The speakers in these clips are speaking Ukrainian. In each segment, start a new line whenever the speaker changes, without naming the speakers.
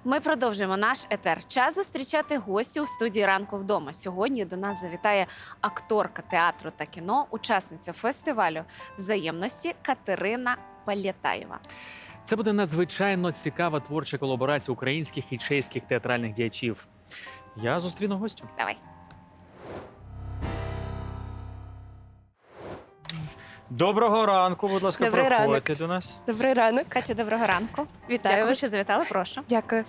Ми продовжуємо наш етер. Час зустрічати гостю у студії «Ранку вдома». Сьогодні до нас завітає акторка театру та кіно, учасниця фестивалю взаємності Катерина Палєтаєва.
Це буде надзвичайно цікава творча колаборація українських і чеських театральних діячів. Я зустріну гостю.
Давай.
Доброго ранку, будь ласка,
Добрий
проходьте
ранок.
до нас.
Добрий ранок.
Катя, доброго ранку.
Вітаю
Дякую,
вас.
що завітали. Прошу.
Дякую.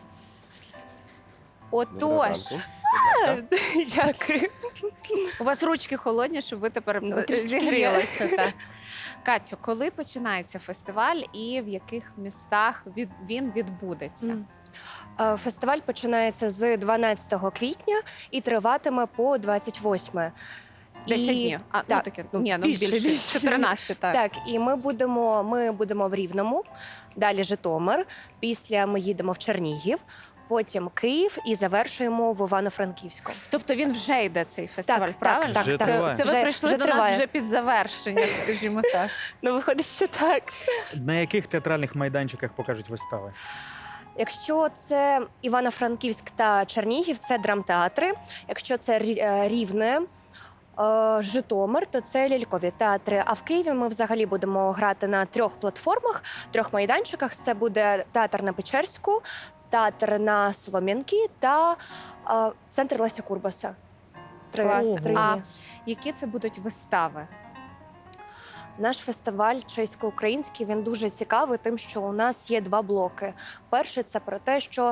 Отож,
Дякую.
у вас ручки холодні, щоб ви тепер
трішки
зігрілися. Так. Катю, коли починається фестиваль і в яких містах він відбудеться?
Фестиваль починається з 12 квітня і триватиме по 28.
10 днів. А,
так,
таке,
ну,
ні, більше. 14, так.
Так, і ми будемо в Рівному, далі Житомир, після ми їдемо в Чернігів, потім Київ і завершуємо в Івано-Франківську.
Тобто він вже йде, цей фестиваль,
Так,
правильно?
так,
Вже
так.
триває.
Це ви
Вже-
прийшли
вже
до нас
триває.
вже під завершення, скажімо так.
Ну, виходить, що так.
На яких театральних майданчиках покажуть вистави?
Якщо це Івано-Франківськ та Чернігів, це драмтеатри. Якщо це Рівне, Житомир, то це лялькові театри. А в Києві ми взагалі будемо грати на 3 платформах, 3 майданчиках. Це буде театр на Печерську, театр на Солом'янки та центр Леся Курбаса.
Класно.
Три
А
дні.
які це будуть вистави?
Наш фестиваль чесько-український, він дуже цікавий тим, що у нас є 2 блоки. Перший – це про те, що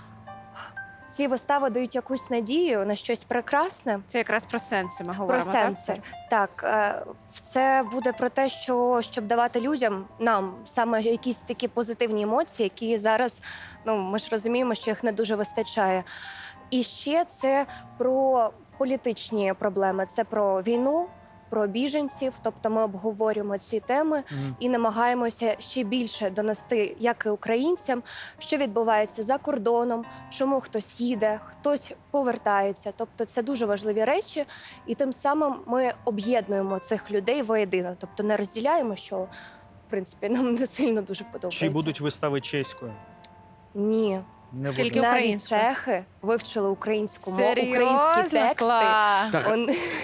ці вистави дають якусь надію на щось прекрасне.
Це якраз про сенси ми
Про
говоримо,
сенси.
так?
Так, це буде про те, щоб давати людям, нам, саме якісь такі позитивні емоції, які зараз, ми ж розуміємо, що їх не дуже вистачає. І ще це про політичні проблеми, це про війну, про біженців, тобто ми обговорюємо ці теми і намагаємося ще більше донести, як і українцям, що відбувається за кордоном, чому хтось їде, хтось повертається. Тобто це дуже важливі речі, і тим самим ми об'єднуємо цих людей воєдино. Тобто не розділяємо, що, в принципі, нам не сильно дуже подобається.
Чи будуть вистави чеською?
Ні.
Не
Тільки
буде.
Навіть
українською?
чехи вивчили українську мову,
Серйозно?
українські тексти.
Клас!
Так.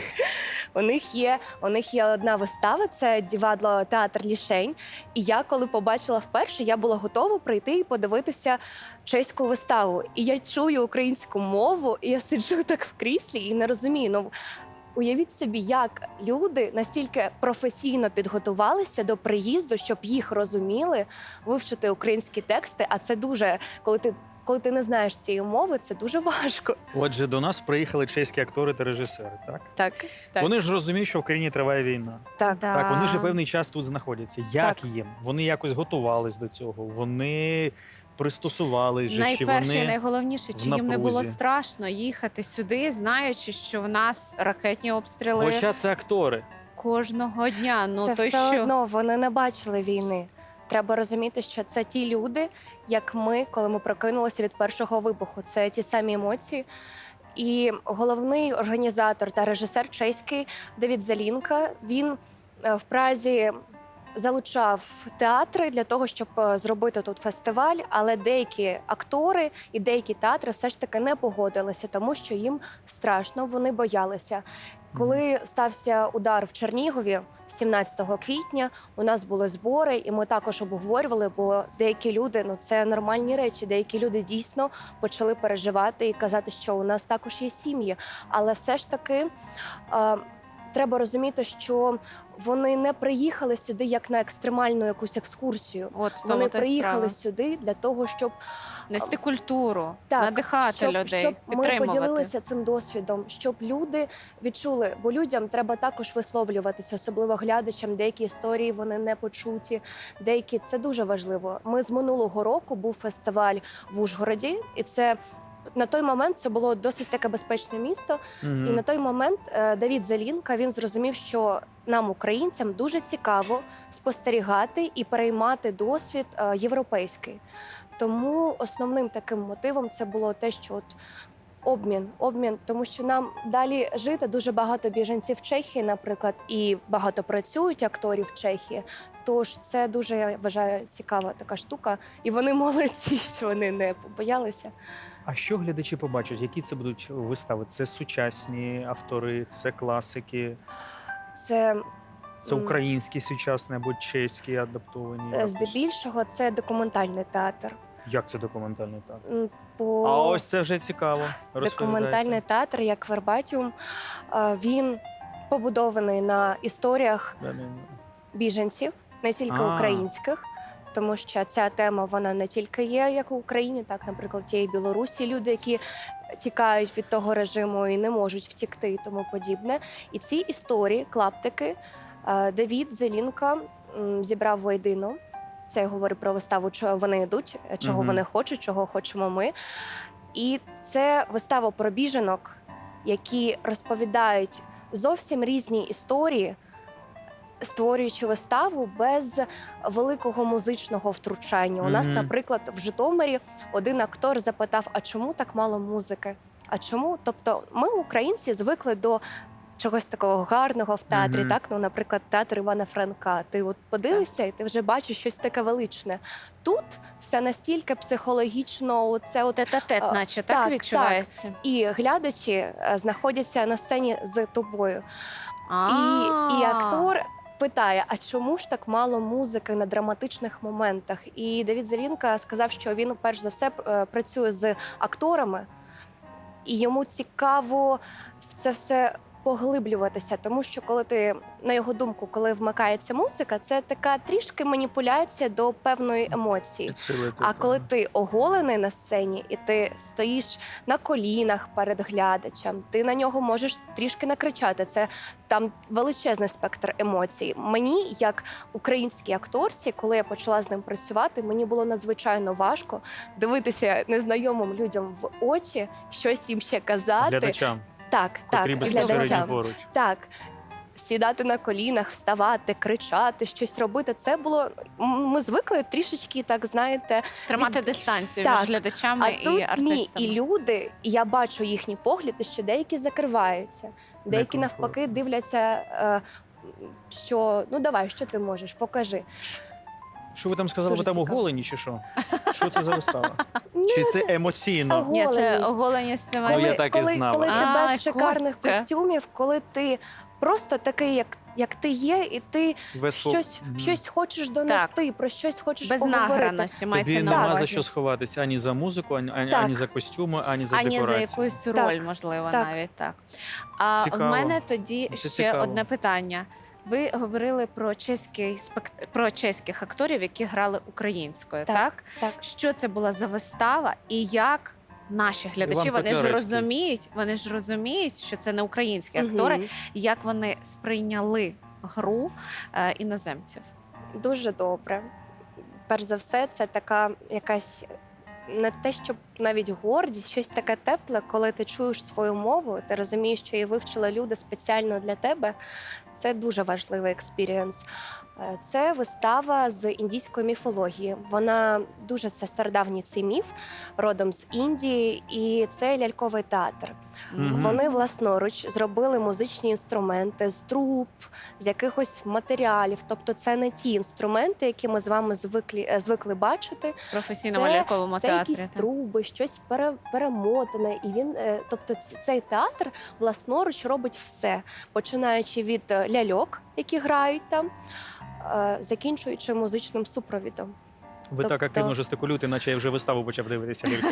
У них є одна вистава, це Дівадло театр Лішень. І я, коли побачила вперше, я була готова прийти і подивитися чеську виставу. І я чую українську мову, і я сиджу так в кріслі і не розумію. Уявіть собі, як люди настільки професійно підготувалися до приїзду, щоб їх розуміли, вивчити українські тексти. А це дуже, коли ти не знаєш цієї мови, це дуже важко.
Отже, до нас приїхали чеські актори та режисери, так?
Так.
Вони ж розуміють, що в країні триває війна.
Так.
Да.
Так, вони ж певний час тут знаходяться. Як
Так.
їм? Вони якось готувались до цього, вони пристосувались же, чи
Найперше і
вони...
найголовніше, чи
в
їм не було
напрузі?
страшно їхати сюди, знаючи, що в нас ракетні обстріли
Хоча це актори.
кожного дня. Ну
Це
то
все
що?
одно вони не бачили війни. Треба розуміти, що це ті люди, як ми, коли ми прокинулися від першого вибуху. Це ті самі емоції. І головний організатор та режисер чеський Давід Залінка, він в Празі залучав театри для того, щоб зробити тут фестиваль, але деякі актори і деякі театри все ж таки не погодилися, тому що їм страшно, вони боялися. Коли стався удар в Чернігові 17 квітня, у нас були збори, і ми також обговорювали, бо деякі люди, це нормальні речі, деякі люди дійсно почали переживати і казати, що у нас також є сім'ї. Але все ж таки треба розуміти, що вони не приїхали сюди як на екстремальну якусь екскурсію.
От в
Вони
тому то й
приїхали
справа.
сюди для того, щоб
Нести культуру,
Так,
надихати людей,
щоб ми
підтримувати.
поділилися цим досвідом, щоб люди відчули, бо людям треба також висловлюватися, особливо глядачам. Деякі історії вони не почуті, деякі це дуже важливо. Ми з минулого року був фестиваль в Ужгороді, і це на той момент це було досить таке безпечне місто. І на той момент Давід Залінка він зрозумів, що нам, українцям, дуже цікаво спостерігати і переймати досвід європейський. Тому основним таким мотивом це було те, що Обмін, тому що нам далі жити дуже багато біженців в Чехії, наприклад, і багато працюють акторів в Чехії. Тож це дуже, я вважаю, цікава така штука. І вони молодці, що вони не побоялися.
А що глядачі побачать? Які це будуть вистави? Це сучасні автори, це класики,
Це
це українські сучасні або чеські адаптовані? якось?
здебільшого це документальний театр.
Як це документальний театр?
По
А ось це вже цікаво.
документальний театр, як Вербатіум, він побудований на історіях біженців, не тільки
А.
українських, тому що ця тема вона не тільки є як в Україні, так, наприклад, є і Білорусі люди, які тікають від того режиму і не можуть втікти і тому подібне. І ці історії, клаптики, Давід Зелінка зібрав воєдино. Це я говорю про виставу, чого вони йдуть, чого
Мгм.
вони хочуть, чого хочемо ми. І це вистава про біженок, які розповідають зовсім різні історії, створюючи виставу без великого музичного втручання. У нас,
Мгм.
наприклад, в Житомирі один актор запитав: а чому так мало музики? А чому? Тобто, ми, українці, звикли до чогось такого гарного в театрі,
Мгм.
так? Ну, наприклад, театр Івана Франка. Ти от подивишся, і ти вже бачиш щось таке величне. Тут все настільки психологічно, оце от
Тет-а-тет,
А,
наче
так,
так відчувається.
і глядачі знаходяться на сцені з тобою. І актор питає: а чому ж так мало музики на драматичних моментах? І Давід Зелінка сказав, що він перш за все працює з акторами, і йому цікаво в це все поглиблюватися, тому що коли ти, на його думку, коли вмикається музика, це така трішки маніпуляція до певної емоції.
Підсилити,
А
так.
коли ти оголений на сцені і ти стоїш на колінах перед глядачем, ти на нього можеш трішки накричати. Це там величезний спектр емоцій. Мені, як українській акторці, коли я почала з ним працювати, мені було надзвичайно важко дивитися незнайомим людям в очі, щось їм ще казати.
Глядачам,
Так,
котрі
так,
безпосередньо
глядачам.
поруч.
Так. Сідати на колінах, вставати, кричати, щось робити. Це було. Ми звикли трішечки, так знаєте,
Тримати дистанцію
Так.
між глядачами
а
і
тут ні.
артистами.
І люди, і я бачу їхні погляди, що деякі закриваються, деякі навпаки
Некомфортно.
дивляться, що ну давай, що ти можеш, покажи.
Що ви там сказали?
Дуже
Ви там
цікаво.
оголені чи що? Що це за вистава?
Ну,
Чи це емоційно?
Ого.
Ні, це
Оголеність.
оголеність
Ну,
саме.
я так і знала.
коли ти
А,
без шикарних
Костя.
костюмів, коли ти просто такий, як ти є, і ти
Весь
щось хочеш донести, про щось хочеш
Без
поговорити.
награності мається
Тобі
на
нема за
увазі.
що сховатися ані за музику, ані
Так.
за костюми, ані за
Ані за
декорацію.
якусь роль,
Так,
можливо,
так.
навіть так. А в
Цікаво.
мене тоді
Це
ще
цікаво.
одне питання. Ви говорили про про чеських акторів, які грали українською,
Так.
так?
Так.
Що це була за вистава і як наші глядачі,
Іван
вони
Котляревський.
ж розуміють, що це не українські актори,
Мгм.
і як вони сприйняли гру іноземців.
Дуже добре. Перш за все, це така якась не те, щоб навіть гордість, щось таке тепле, коли ти чуєш свою мову, ти розумієш, що її вивчили люди спеціально для тебе. Це дуже важливий експірієнс. Це вистава з індійської міфології. Вона дуже це стародавній цей міф, родом з Індії, і це ляльковий театр.
Мгм.
Вони власноруч зробили музичні інструменти з труб, з якихось матеріалів. Тобто, це не ті інструменти, які ми з вами звикли бачити.
В професійному
Це-
ляльковому
Це
театрі.
якісь
так.
труби, щось перемотане. І він, тобто, цей театр власноруч робить все, починаючи від ляльок, які грають там, закінчуючи музичним супровідом.
Ви так
Тобто-
активно жестикулюєте, наче я вже виставу почав дивитися лялькову.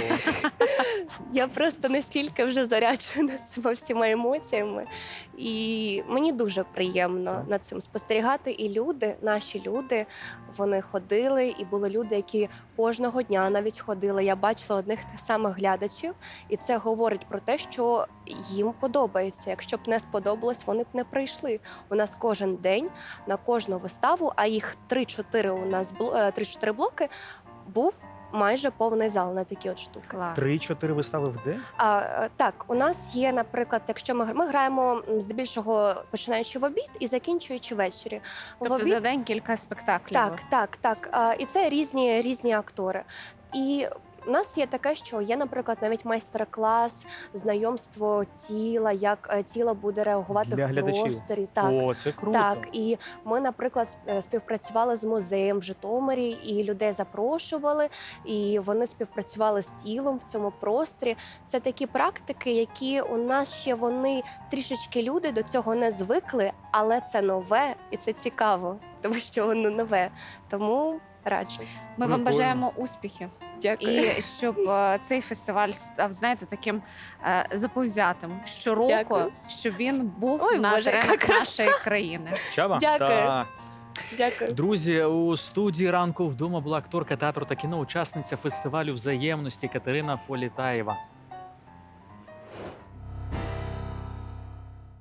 Я просто настільки вже заряджена цими всіма емоціями, і мені дуже приємно над цим спостерігати. І люди, наші люди, вони ходили, і були люди, які кожного дня навіть ходили. Я бачила одних тих самих глядачів, і це говорить про те, що їм подобається. Якщо б не сподобалось, вони б не прийшли. У нас кожен день на кожну виставу, а їх 3-4 у нас 3-4 блоки, був майже повний зал на такі от штуки.
Клас.
3-4 вистави в день?
Так, у нас є, наприклад, якщо ми граємо здебільшого починаючи в обід і закінчуючи ввечері. В
Тобто
обід
за день кілька спектаклів.
так. І це різні актори. І У нас є таке, що є, наприклад, навіть майстер-клас, знайомство тіла, як тіло буде реагувати
Для
в
глядачів.
просторі. Так.
О, це круто.
Так, і ми, наприклад, співпрацювали з музеєм в Житомирі, і людей запрошували, і вони співпрацювали з тілом в цьому просторі. Це такі практики, які у нас ще вони трішечки люди до цього не звикли, але це нове і це цікаво, тому що воно нове. Тому раджу.
Ми вам
Прикольно.
бажаємо успіхів.
Дякую.
І щоб цей фестиваль став, знаєте, таким заповзятим щороку,
Дякую.
щоб він був
Ой,
на
Боже, яка
теренах
краса.
нашої країни.
Чаба?
Дякую.
Так.
Дякую.
Друзі, у студії ранку вдома була акторка театру та кіно, учасниця фестивалю взаємності Катерина Політаєва.